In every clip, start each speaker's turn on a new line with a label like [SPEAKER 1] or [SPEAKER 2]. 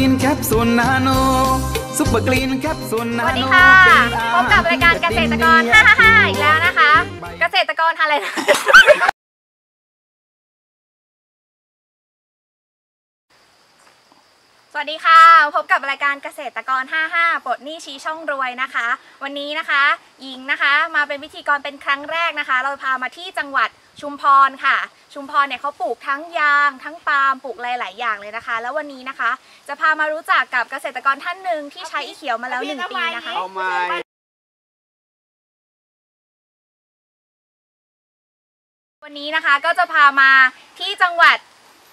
[SPEAKER 1] ลีนแคปซูลนาโนซุปเปอร์กลีนแคปซูลนาโนสวัสดีค่ะ
[SPEAKER 2] พบกับรายการเกษตรกร555อีกแล้วนะคะ เกษตรกรอะไรนะสวัสดีค่ะพบกับรายการเกษตรกร55ปลดหนี้ชี้ช่องรวยนะคะวันนี้นะคะหญิงนะคะมาเป็นพิธีกรเป็นครั้งแรกนะคะเราพามาที่จังหวัดชุมพรค่ะชุมพรเนี่ยเขาปลูกทั้งยางทั้งปาล์มปลูกหลายๆอย่างเลยนะคะแล้ววันนี้นะคะจะพามารู้จักกับเกษตรกรท่านหนึ่งที่ใช้อีเขียวมาแล้ว1 ปีนะคะวันนี้นะคะก็จะพามาที่จังหวัด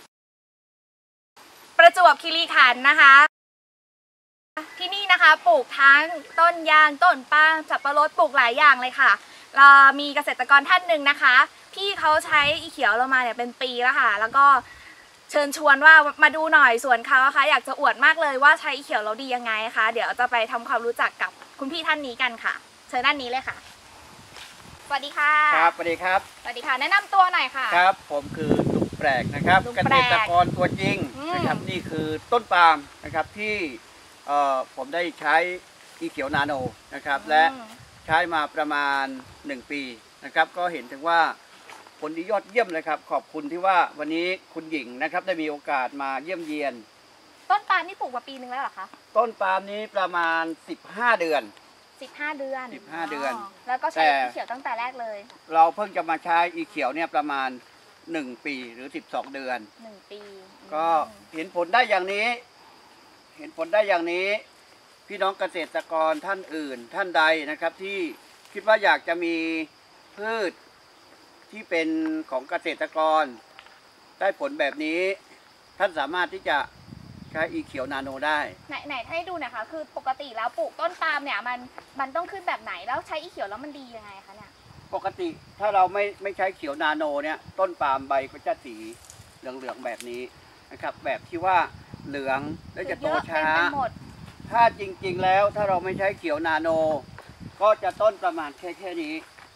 [SPEAKER 2] ประจวบคีรีขันธ์นะคะที่นี่นะคะปลูกทั้งต้นยางต้นปาล์มสับปะรดปลูกหลายอย่างเลยค่ะเรามีเกษตรกรท่านหนึ่งนะคะที่เขาใช้อีเขียวเรามาเนี่ยเป็นปีแล้วค่ะแล้วก็เชิญชวนว่ามาดูหน่อยสวนเขาค่ะอยากจะอวดมากเลยว่าใช้อีเขียวเราดียังไงคะเดี๋ยวจะไปทำความรู้จักกับคุณพี่ท่านนี้กันค่ะเชิญด้านนี้เลยค่ะสวัสดีค่ะ
[SPEAKER 3] ครับสวัสดีครับ
[SPEAKER 2] สวัสดีค่ะแนะนำตัวหน่อยค่ะ
[SPEAKER 3] ครับผมคือลุงแปลกนะครับเกษตรกรตัวจริงนะครับนี่คือต้นปาล์มนะครับที่ผมได้ใช้อีเขียวนาโนนะครับและใช้มาประมาณ1 ปีนะครับก็เห็นถึงว่าผลดียอดเยี่ยมเลยครับขอบคุณที่ว่าวันนี้คุณหญิงนะครับได้มีโอกาสมาเยี่ยมเยียน
[SPEAKER 2] ต้นปาล์มนี่ปลูกมาปีนึงแล้วเหรอคะ
[SPEAKER 3] ต้นปาล์มนี้ประมาณ15 เดือน
[SPEAKER 2] 15 เดือน
[SPEAKER 3] 15 เดือน
[SPEAKER 2] แล้วก็ใช้อีเขียวตั้งแต่แรกเลย
[SPEAKER 3] เราเพิ่งจะมาใช้อีเขียวเนี่ยประมาณ1 ปีหรือ12 เดือน
[SPEAKER 2] 1 ปี
[SPEAKER 3] ก็เห็นผลได้อย่างนี้พี่น้องเกษตรกรท่านอื่นท่านใดนะครับที่คิดว่าอยากจะมีพืชที่เป็นของเกษตรกรได้ผลแบบนี้ท่านสามารถที่จะใช้อีเขียวนาโนได้
[SPEAKER 2] ไหนให้ดูหน่อยค่ะคือปกติแล้วปลูกต้นปาล์มเนี่ยมันต้องขึ้นแบบไหนแล้วใช้อีเขียวแล้วมันดียังไงคะเนี่ย
[SPEAKER 3] ปกติถ้าเราไม่ใช้เขียวนาโนเนี่ยต้นปาล์มใบก็จะสีเหลืองแบบนี้นะครับแบบที่ว่าเหลืองแล้วจะโตช้าถ้าจริงๆแล้วถ้าเราไม่ใช้เขียวนาโนก็จะต้นประมาณแค่นี้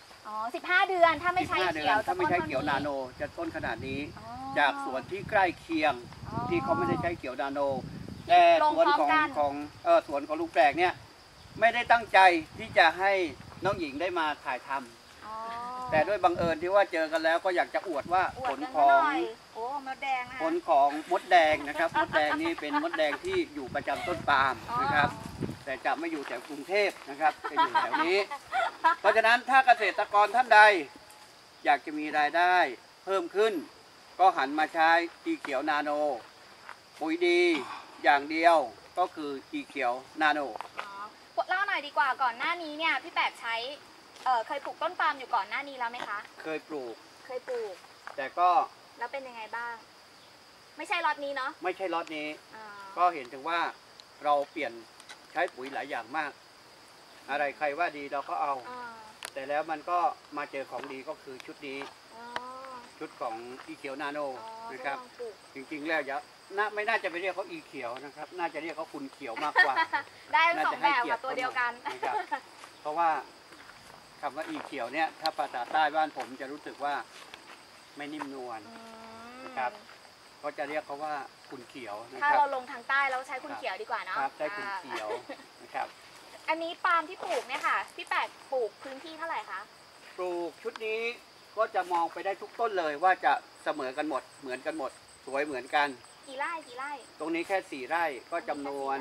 [SPEAKER 2] 15 เดือนถ้าไม่ใช้เขียว
[SPEAKER 3] นาโนจะต้นขนาดนี้จากสวนที่ใกล้เคียงที่เขาไม่ได้ใช้เขียวนาโนแต่สวนของลุงแปลกเนี่ยไม่ได้ตั้งใจที่จะให้น้องหญิงได้มาถ่ายทำแต่ด้วยบังเอิญที่ว่าเจอกันแล้วก็อยากจะอวดว่าผลของ
[SPEAKER 2] มดแดง
[SPEAKER 3] มดแดงนะครับมดแดงนี่เป็นมดแดงที่อยู่ประจำต้นปาล์มนะครับแต่จะไม่อยู่แถวกรุงเทพนะครับจะอยู่แถวนี้เพราะฉะนั้นถ้าเกษตรกรท่านใดอยากจะมีรายได้เพิ่มขึ้นก็หันมาใช้อีเขียวนาโนปุ๋ยดีอย่างเดียวก็คืออีเขียวนาโน
[SPEAKER 2] เล่าหน่อยดีกว่าก่อนหน้านี้เนี่ยพี่แปดใช้เคยปลูกต้นปาล์มอยู่ก่อนหน้านี้แล้วไหมคะ
[SPEAKER 3] เคยปลูกแต่ก็
[SPEAKER 2] แล้วเป็นยังไงบ้างไม่ใช่ล็อตนี้เนาะ
[SPEAKER 3] ไม่ใช่ล็อตนี้ก็เห็นถึงว่าเราเปลี่ยนใช้ปุ๋ยหลายอย่างมากอะไรใครว่าดีเราก็เอาแต่แล้วมันก็มาเจอของดีก็คือชุดนี้ชุดของอีเขียวนาโนนะครับจริงๆแล้วไม่น่าจะไปเรียกเขาอีเขียวนะครับน่าจะเรียกเขาคุณเขียวมากกว่า
[SPEAKER 2] ได้ทั้ง2แบบกับตัวเดียวกัน
[SPEAKER 3] นะครับเพราะว่าคำว่าอีเขียวเนี่ยถ้าภาษาใต้บ้านผมจะรู้สึกว่าไม่นิ่มนวลนะครับก็จะเรียกเขาว่าคุณเขียว
[SPEAKER 2] ถ้าเราลงทางใต้เราใช้คุณเขียวดีกว่าเนาะ
[SPEAKER 3] ใช้คุณเขียวนะครับ
[SPEAKER 2] อันนี้ปาล์มที่ปลูกเนี่ยค่ะพี่แปดปลูกพื้นที่เท่าไหร่คะ
[SPEAKER 3] ปลูกชุดนี้ก็จะมองไปได้ทุกต้นเลยว่าจะเสมอกันหมดเหมือนกันหมดสวยเหมือนกัน
[SPEAKER 2] กี่ไร่
[SPEAKER 3] ตรงนี้แค่4 ไร่ก็จำนวน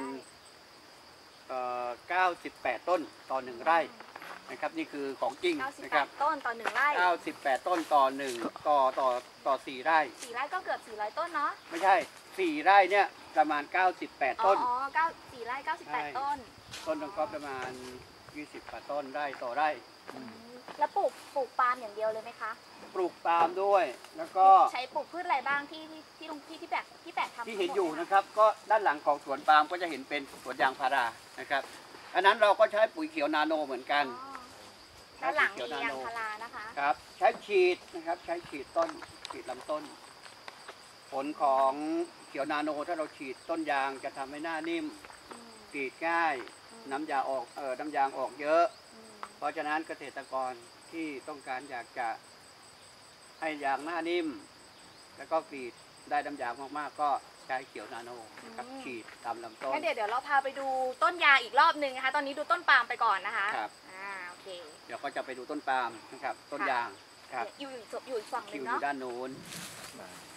[SPEAKER 3] 98 ต้นต่อ1 ไร่นะครับนี่คือของจริงนะครับ
[SPEAKER 2] ต้นต่อ1 ไร่
[SPEAKER 3] 98 ต้นต่อ4 ไร่
[SPEAKER 2] 4 ไร่ก็เกือบ400 ต้นเนาะ
[SPEAKER 3] ไม่ใช่4 ไร่เนี่ยประมาณ98 ต้น
[SPEAKER 2] 4 ไร่98 ต้น
[SPEAKER 3] ต้นนึงก็ประมาณ20 กว่าต้นไร่ต่อไร่
[SPEAKER 2] แล้วปลูกปาล์มอย่างเดียวเลยไหมคะ
[SPEAKER 3] ปลูกปาล์มด้วยแล้วก็
[SPEAKER 2] ใช้ปลูกพืชอะไรบ้างที่พี่แปะทำ
[SPEAKER 3] ที่เห็นอยู่นะครับก็ด้านหลังของสวนปาล์มก็จะเห็นเป็นสวนยางพารานะครับอันนั้นเราก็ใช้ปุ๋ยเขียวนาโนเหมือนกัน
[SPEAKER 2] ด้านหลังมียางพารานะคะ
[SPEAKER 3] ครับใช้ฉีดนะครับใช้ฉีดต้นฉีดลำต้นผลของเขียวนาโนถ้าเราฉีดต้นยางจะทำให้หน้านิ่มกรีดง่ายน้ำยางออกเยอะเพราะฉะนั้นเกษตรกรที่ต้องการอยากจะให้ยางหน้านิ่มแล้วก็กรีดได้น้ำยางมากๆก็ใช้เขียวนาโนนะครับฉีดตามลำต้น
[SPEAKER 2] งั้นเดี๋ยวเราพาไปดูต้นยางอีกรอบนึงนะคะ ตอนนี้ดูต้นปาล์มไปก่อนนะคะ
[SPEAKER 3] ครับ
[SPEAKER 2] โอเค
[SPEAKER 3] เดี๋ยวก็จะไปดูต้นปาล์มนะครับต้นยางครับ
[SPEAKER 2] อยู่อีกฝั่งห
[SPEAKER 3] คิ
[SPEAKER 2] นึ่
[SPEAKER 3] ว
[SPEAKER 2] ง
[SPEAKER 3] อยู่
[SPEAKER 2] เนาะ
[SPEAKER 3] ด้านโน้น